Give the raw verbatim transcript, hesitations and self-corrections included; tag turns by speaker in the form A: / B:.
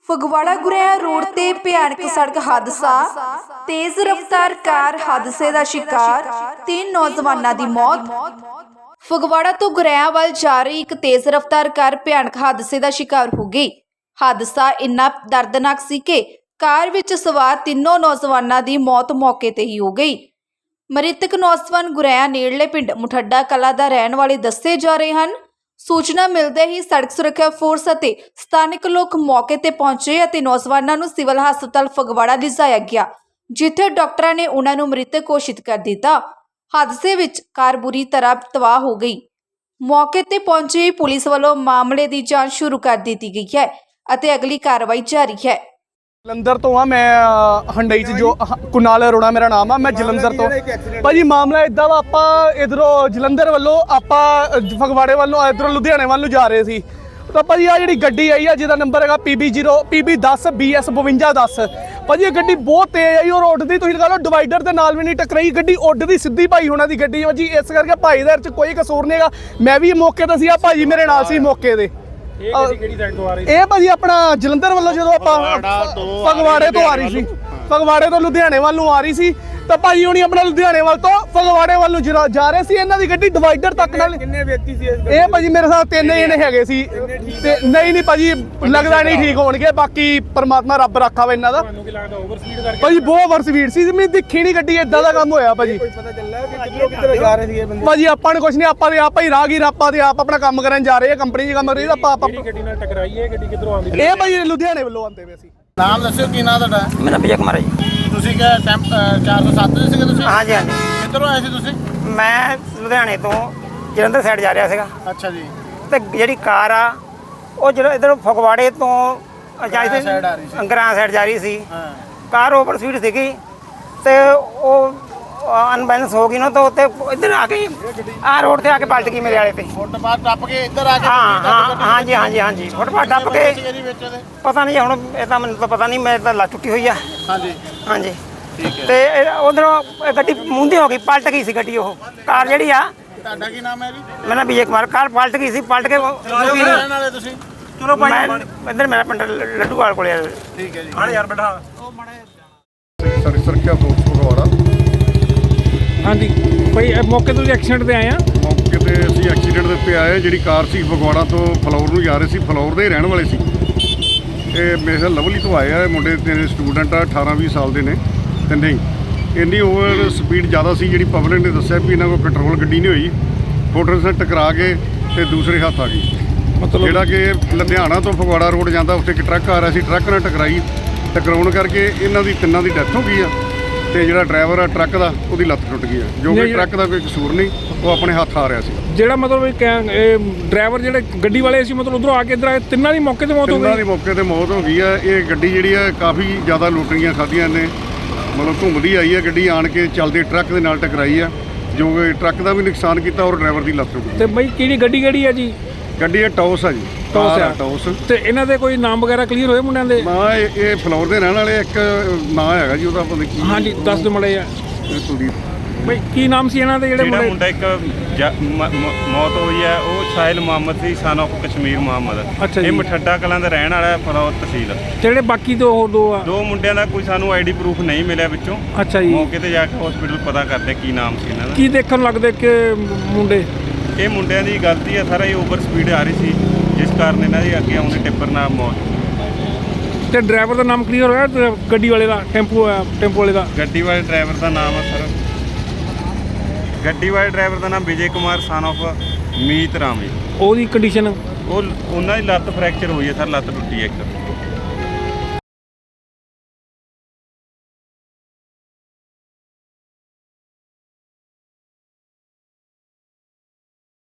A: Phagwara ਗੁਰੇਆ road ते भयानक सड़क हादसा। तेज रफ्तार कार हादसे का शिकार, तीन नौजवानों की मौत। फगवाड़ा तो गुरैया वाल जा रही एक तेज रफ्तार कार भयानक हादसे का शिकार हो गई। हादसा इन्ना दर्दनाक सी कि कार विच सवार तीनों नौजवानों की मौत मौके ते ही हो गई। मृतक नौजवान गुरैया नेड़ले पिंड मुठड्डा कला दा रहण वाले दस्से जा रहे हैं। सूचना मिलते ही सड़क सुरक्षा फोर्स ਅਤੇ ਸਥਾਨਕ ਲੋਕ मौके ਤੇ ਪਹੁੰਚੇ ਅਤੇ ਨੌਜਵਾਨਾਂ ਨੂੰ ਸਿਵਲ ਹਸਪਤਾਲ ਫਗਵਾੜਾ ਲਿਜਾਇਆ ਗਿਆ, ਜਿੱਥੇ ਡਾਕਟਰਾਂ ਨੇ ਉਹਨਾਂ ਨੂੰ ਮ੍ਰਿਤਕ ਘੋਸ਼ਿਤ ਕਰ ਦਿੱਤਾ। ਹਾਦਸੇ ਵਿੱਚ ਕਾਰ ਬੁਰੀ ਤਰ੍ਹਾਂ ਤਬਾਹ ਹੋ ਗਈ। ਮੌਕੇ ਤੇ ਪਹੁੰਚੀ ਪੁਲਿਸ ਵੱਲੋਂ ਮਾਮਲੇ ਦੀ ਜਾਂਚ ਸ਼ੁਰੂ ਕਰ ਦਿੱਤੀ ਗਈ ਹੈ ਅਤੇ ਅਗਲੀ ਕਾਰਵਾਈ ਜਾਰੀ ਹੈ।
B: ਜਲੰਧਰ ਤੋਂ ਆ ਮੈਂ ਹੰਡਈ ਚ ਜੋ ਕੁਨਾਲ ਅਰੋੜਾ ਮੇਰਾ ਨਾਮ ਆ। ਮੈਂ ਜਲੰਧਰ ਤੋਂ ਭਾਜੀ ਮਾਮਲਾ ਇਦਾਂ ਵਾ, ਆਪਾਂ ਇਧਰੋਂ ਜਲੰਧਰ ਵੱਲੋਂ ਆਪਾਂ ਫਗਵਾੜੇ ਵੱਲੋਂ ਇਧਰੋਂ ਲੁਧਿਆਣੇ ਵੱਲ ਨੂੰ ਜਾ ਰਹੇ ਸੀ ਤਾਂ ਭਾਜੀ ਆ ਜਿਹੜੀ ਗੱਡੀ ਆਈ ਆ ਜਿਹਦਾ ਨੰਬਰ ਹੈਗਾ P B zero P B ਦਸ ਬੀ ਐਸ ਬਵੰਜਾ ਦਸ। ਭਾਜੀ ਇਹ ਗੱਡੀ ਬਹੁਤ ਤੇਜ਼ ਆਈ ਔਰ ਉੱਡਦੀ, ਤੁਸੀਂ ਲਗਾ ਲਓ ਡਿਵਾਈਡਰ ਦੇ ਨਾਲ ਵੀ ਨਹੀਂ ਟਕਰਾਈ, ਗੱਡੀ ਉੱਡਦੀ ਸਿੱਧੀ ਭਾਈ ਹੋਣਾ ਦੀ ਗੱਡੀ ਭਾਜੀ। ਇਸ ਕਰਕੇ ਭਾਈ ਦੇ ਚ ਕੋਈ ਕਸੂਰ ਨਹੀਂ ਹੈਗਾ। ਮੈਂ ਵੀ ਮੌਕੇ ਤੇ ਸੀ, ਆ ਭਾਜੀ ਮੇਰੇ ਨਾਲ ਸੀ ਮੌਕੇ ਦੇ। ਇਹ ਗੱਡੀ ਕਿਹੜੀ ਸਾਈਡ ਤੋਂ ਆ ਰਹੀ ਸੀ? ਇਹ ਭਾਜੀ ਆਪਣਾ ਜਲੰਧਰ ਵੱਲੋਂ ਜਦੋਂ ਆਪਾਂ ਫਗਵਾੜੇ ਤੋਂ ਆ ਰਹੀ ਸੀ, ਫਗਵਾੜੇ ਤੋਂ ਲੁਧਿਆਣੇ ਵੱਲ ਨੂੰ ਆ ਰਹੀ ਸੀ ਤਾਂ ਭਾਜੀ ਹੁਣੀ ਆਪਣਾ ਲੁਧਿਆਣੇ ਵੱਲ ਤੋਂ ਫਗਵਾੜੇ ਵੱਲ ਨੂੰ ਜਾ ਰਹੇ ਸੀ। ਇਹਨਾਂ ਦੀ ਗੱਡੀ ਡਿਵਾਈਡਰ ਤੱਕ ਨਾਲ। ਕਿੰਨੇ ਵਿਅਕਤੀ ਸੀ ਇਹ ਭਾਜੀ? ਮੇਰੇ ਸਾਥ ਤਿੰਨ ਜਣੇ ਹੈਗੇ ਸੀ। ਤੇ ਨਹੀਂ ਨਹੀਂ ਭਾਜੀ ਲੱਗਦਾ ਨਹੀਂ ਠੀਕ ਹੋਣਗੇ, ਬਾਕੀ ਪਰਮਾਤਮਾ ਰੱਬ ਰੱਖਾ ਵਾ ਇਹਨਾਂ ਦਾ। ਤੁਹਾਨੂੰ ਕੀ ਲੱਗਦਾ ਓਵਰ ਸਪੀਡ ਕਰਕੇ? ਭਾਜੀ ਬਹੁਤ ਓਵਰ ਸਪੀਡ ਸੀ, ਮੈਂ ਦੇਖੀ ਨਹੀਂ ਗੱਡੀ, ਇਦਾਂ ਦਾ ਕੰਮ ਹੋਇਆ ਭਾਜੀ। ਕੋਈ ਪਤਾ ਚੱਲਿਆ ਕਿ ਕਿੱਧਰੋਂ ਕਿੱਧਰ ਜਾ ਰਹੇ ਸੀ ਇਹ ਬੰਦੇ? ਭਾਜੀ ਆਪਾਂ ਨੂੰ ਕੁਝ ਨਹੀਂ, ਆਪਾਂ ਦੇ ਆਪਾਂ ਹੀ ਰਾਹਗੀਰ, ਆਪਾਂ ਦੇ ਆਪ ਆਪਣਾ ਕੰਮ ਕਰਨ ਜਾ ਰਹੇ ਆ, ਕੰਪਨੀ 'ਚ ਕੰਮ ਕਰ ਰਹੀ। ਆਪਾਂ ਆਪਾਂ ਗੱਡੀ ਨਾਲ ਟਕਰਾਈ ਹੈ, ਗੱਡੀ ਕਿੱਧਰੋਂ ਆਉਂਦੀ? ਇਹ ਭਾਜੀ ਲੁਧਿਆਣੇ ਵੱਲੋਂ ਆਉਂਦੇ ਪਏ ਸੀ।
C: ਨਾਮ ਦੱਸਿਓ ਕੀ ਨਾਮ ਤੁਹਾਡਾ?
D: ਮੇਰਾ ਵਿਜੇ ਕੁਮਾਰ ਜੀ।
C: ਤੁਸੀਂ ਕਿਹਾ ਟੈਂਪ ਚਾਰ ਸੌ ਸੱਤ ਦੇ ਸੀਗੇ ਤੁਸੀਂ?
D: ਹਾਂਜੀ ਹਾਂਜੀ।
C: ਕਿੱਧਰੋਂ ਆਏ ਸੀ ਤੁਸੀਂ?
D: ਮੈਂ ਲੁਧਿਆਣੇ ਤੋਂ ਜਲੰਧਰ ਸਾਈਡ ਜਾ ਰਿਹਾ ਸੀਗਾ।
C: ਅੱਛਾ ਜੀ।
D: ਤੇ ਜਿਹੜੀ ਕਾਰ ਆ ਉਹ ਜਿਹੜਾ ਇੱਧਰੋਂ ਫਗਵਾੜੇ ਤੋਂ ਜਾ ਰਹੀ ਸੀ, ਅੰਗਰਾਂ ਸਾਈਡ ਜਾ ਰਹੀ ਸੀ।
C: ਹਾਂ।
D: ਕਾਰ ਓਵਰ ਸਪੀਡ ਸੀਗੀ ਤੇ ਉਹ ਅਨਬੈਲੈਂਸ ਹੋ ਗਈ ਨਾ, ਤਾਂ ਉੱਤੇ ਇੱਧਰ ਆ ਕੇ ਆਹ ਰੋਡ ਤੇ ਆ ਕੇ ਪਲਟ ਗਈ ਮੇਰੇ ਵਾਲੇ ਤੇ।
C: ਫੁੱਟਪਾਥ ਟੱਪ ਕੇ ਇੱਧਰ ਆ ਕੇ?
D: ਹਾਂ ਹਾਂ ਹਾਂਜੀ ਹਾਂਜੀ ਹਾਂਜੀ ਫੁੱਟਪਾਥ ਟੱਪ ਕੇ। ਪਤਾ ਨਹੀਂ ਹੁਣ, ਇਹ ਤਾਂ ਮੈਨੂੰ ਤਾਂ ਪਤਾ ਨਹੀਂ, ਮੇਰੇ ਤਾਂ ਲੱਤ ਟੁੱਟੀ ਹੋਈ ਆ। ਹਾਂਜੀ ਹਾਂਜੀ ਠੀਕ ਹੈ। ਤੇ ਉਧਰੋਂ ਗੱਡੀ ਮੁੰਦੀ ਹੋ ਗਈ, ਪਲਟ ਗਈ ਸੀ ਗੱਡੀ। ਉਹ ਕਾਰ ਜਿਹੜੀ ਆ।
C: ਤੁਹਾਡਾ ਕੀ ਨਾਮ ਹੈ ਜੀ?
D: ਮੇਰਾ ਵਿਜੇ ਕੁਮਾਰ। ਕਾਰ ਪਲਟ ਗਈ ਸੀ, ਪਲਟ ਕੇ
C: ਰਹਿਣ ਵਾਲੇ ਤੁਸੀਂ?
D: ਚਲੋ ਮੈਂ ਇੱਧਰ ਮੇਰਾ ਪਿੰਡ ਲੱਡੂਵਾਲ ਕੋਲੇ ਆ।
C: ਠੀਕ ਹੈ ਜੀ।
D: ਹਾਂ ਯਾਰ ਬੈਠਾ।
E: ਸਾਡੀ ਸੁਰੱਖਿਆ ਫੋਰਸ ਫਗਵਾੜਾ।
F: ਹਾਂਜੀ ਭਾਈ ਮੌਕੇ ਤੋਂ ਐਕਸੀਡੈਂਟ ਤੇ ਆਏ ਆ।
E: ਮੌਕੇ ਤੇ ਅਸੀਂ ਐਕਸੀਡੈਂਟ ਦੇ ਉੱਤੇ ਆਏ। ਜਿਹੜੀ ਕਾਰ ਸੀ ਫਗਵਾੜਾ ਤੋਂ ਫਲੌਰ ਨੂੰ ਜਾ ਰਹੇ ਸੀ, ਫਲੌਰ ਦੇ ਰਹਿਣ ਵਾਲੇ ਸੀ। ਇਹ ਮੇਰੇ ਖਿਆਲ ਲਵਲੀ ਤੋਂ ਆਏ ਆ ਮੁੰਡੇ, ਤਿੰਨ ਸਟੂਡੈਂਟ ਆ, ਅਠਾਰਾਂ ਵੀਹ ਸਾਲ ਦੇ ਨੇ ਤਿੰਨੇ ਹੀ। ਇੰਨੀ ਓਵਰ ਸਪੀਡ ਜ਼ਿਆਦਾ ਸੀ, ਜਿਹੜੀ ਪਬਲਿਕ ਨੇ ਦੱਸਿਆ ਵੀ ਇਹਨਾਂ ਕੋਲ ਕੰਟਰੋਲ ਗੱਡੀ ਨਹੀਂ ਹੋਈ, ਮੋਟਰਸਾਈਕਲ ਟਕਰਾ ਕੇ ਤੇ ਦੂਸਰੇ ਹੱਥ ਆ ਗਈ। ਮਤਲਬ ਜਿਹੜਾ ਕਿ ਲੁਧਿਆਣਾ ਤੋਂ ਫਗਵਾੜਾ ਰੋਡ ਜਾਂਦਾ, ਉੱਥੇ ਇੱਕ ਟਰੱਕ ਆ ਰਿਹਾ ਸੀ, ਟਰੱਕ ਨਾਲ ਟਕਰਾਈ। ਟਕਰਾਉਣ ਕਰਕੇ ਇਹਨਾਂ ਦੀ ਤਿੰਨਾਂ ਦੀ ਡੈਥ ਹੋ ਗਈ ਆ ਤੇ ਜਿਹੜਾ ਡਰਾਈਵਰ ਆ ਟਰੱਕ ਦਾ, ਉਹਦੀ ਲੱਤ ਟੁੱਟ ਗਈ ਆ, ਜੋ ਕਿ ਟਰੱਕ ਦਾ ਕੋਈ ਕਸੂਰ ਨਹੀਂ, ਉਹ ਆਪਣੇ ਹੱਥ ਆ ਰਿਹਾ ਸੀ। ਜਿਹੜਾ ਮਤਲਬ ਇਹ ਡਰਾਈਵਰ ਜਿਹੜੇ ਗੱਡੀ ਵਾਲੇ ਸੀ, ਮਤਲਬ ਉਧਰੋਂ ਆ ਕੇ ਇੱਧਰ ਆਏ, ਤਿੰਨਾਂ ਦੀ ਮੌਕੇ ਤੇ ਮੌਤ ਹੋ ਗਈ। ਤਿੰਨਾਂ ਦੀ ਮੌਕੇ ਤੇ ਮੌਤ ਹੋ ਗਈ ਆ। ਇਹ ਗੱਡੀ ਜਿਹੜੀ ਆ ਕਾਫੀ ਜ਼ਿਆਦਾ ਲੁੱਟਰੀਆਂ ਖਾਧੀਆਂ ਨੇ, ਮਤਲਬ ਘੁੰਮਦੀ ਆਈ ਆ ਗੱਡੀ, ਆਣ ਕੇ ਚੱਲਦੇ ਟਰੱਕ ਦੇ ਨਾਲ ਟਕਰਾਈ ਆ, ਜੋ ਕਿ ਟਰੱਕ ਦਾ ਵੀ ਨੁਕਸਾਨ ਕੀਤਾ ਔਰ ਡਰਾਈਵਰ ਦੀ ਲੱਤ ਟੁੱਟ ਗਈ। ਤੇ ਬਈ ਕਿਹੜੀ ਗੱਡੀ ਕਿਹੜੀ ਆ ਜੀ? ਗੱਡੀ ਇਹ ਟੌਸ ਆ ਜੀ। ਟੌਸ ਆ ਟੌਸ। ਤੇ ਇਹਨਾਂ ਦੇ ਕੋਈ ਨਾਮ ਵਗੈਰਾ ਕਲੀਅਰ ਹੋਏ ਮੁੰਡਿਆਂ ਦੇ? ਨਾ ਇਹ ਇਹ ਫਲੋਰ ਦੇ ਰਹਿਣ ਵਾਲੇ, ਇੱਕ ਨਾਂ ਹੈਗਾ ਜੀ ਉਹਦਾ ਪਤਾ ਕੀ। ਹਾਂਜੀ ਦੱਸ ਦਿਓ ਮੜੇ ਆ। ਕੁਲਦੀਪ। ਬਈ ਕੀ ਨਾਮ ਸੀ ਇਹਨਾਂ ਦੇ ਜਿਹੜੇ ਮੁੰਡੇ? ਮੁੰਡਾ ਇੱਕ ਮੌਤ ਹੋਈ ਹੈ ਉਹ ਸਾਹਿਲ ਮੁਹੰਮਦ ਸੀ, ਸਨ ਆਫ ਕਸ਼ਮੀਰ ਮੁਹੰਮਦ। ਅੱਛਾ ਜੀ। ਇਹ ਮਠੱਡਾ ਕਲਾਂ ਦਾ ਰਹਿਣ ਵਾਲਾ, ਫਲੌਰ ਤਹਿਸੀਲ। ਜਿਹੜੇ ਬਾਕੀ ਦੋ ਹੋਰ ਦੋ ਆ? ਦੋ ਮੁੰਡਿਆਂ ਦਾ ਕੋਈ ਸਾਨੂੰ ਆਈਡੀ ਪ੍ਰੂਫ ਨਹੀਂ ਮਿਲਿਆ ਵਿੱਚੋਂ। ਅੱਛਾ ਜੀ। ਮੌਕੇ ਤੇ ਜਾ ਕੇ ਹਸਪੀਟਲ ਪਤਾ ਕਰਦੇ ਕੀ ਨਾਮ ਸੀ ਇਹਨਾਂ ਦਾ। ਕੀ ਦੇਖਣ ਲੱਗਦੇ ਕਿ ਮੁੰਡੇ? ਇਹ ਮੁੰਡਿਆਂ ਦੀ ਗਲਤੀ ਹੈ ਸਾਰਾ, ਇਹ ਓਵਰ ਸਪੀਡ ਆ ਰਹੀ ਸੀ, ਜਿਸ ਕਾਰਨ ਇਹਨਾਂ ਦੀ ਅੱਗੇ ਆਉਂਦੇ ਟਿੱਪਰ ਨਾਲ ਮੌਤ। ਤੇ ਡਰਾਈਵਰ ਦਾ ਨਾਮ ਕਲੀਅਰ ਹੋਇਆ? ਗੱਡੀ ਵਾਲੇ ਦਾ, ਟੈਂਪੂ ਟੈਂਪੂ ਵਾਲੇ ਦਾ? ਗੱਡੀ ਵਾਲੇ ਡਰਾਈਵਰ ਦਾ ਨਾਮ ਹੈ ਸਰ, ਗੱਡੀ ਵਾਲੇ ਡਰਾਈਵਰ ਦਾ ਨਾਮ ਵਿਜੇ ਕੁਮਾਰ ਸਨ ਆਫ ਮੀਤ ਰਾਮ ਜੀ। ਉਹਦੀ ਕੰਡੀਸ਼ਨ? ਉਹ ਉਹਨਾਂ ਦੀ ਲੱਤ ਫ੍ਰੈਕਚਰ ਹੋਈ ਹੈ ਸਰ, ਲੱਤ ਟੁੱਟੀ ਹੈ ਇੱਕ।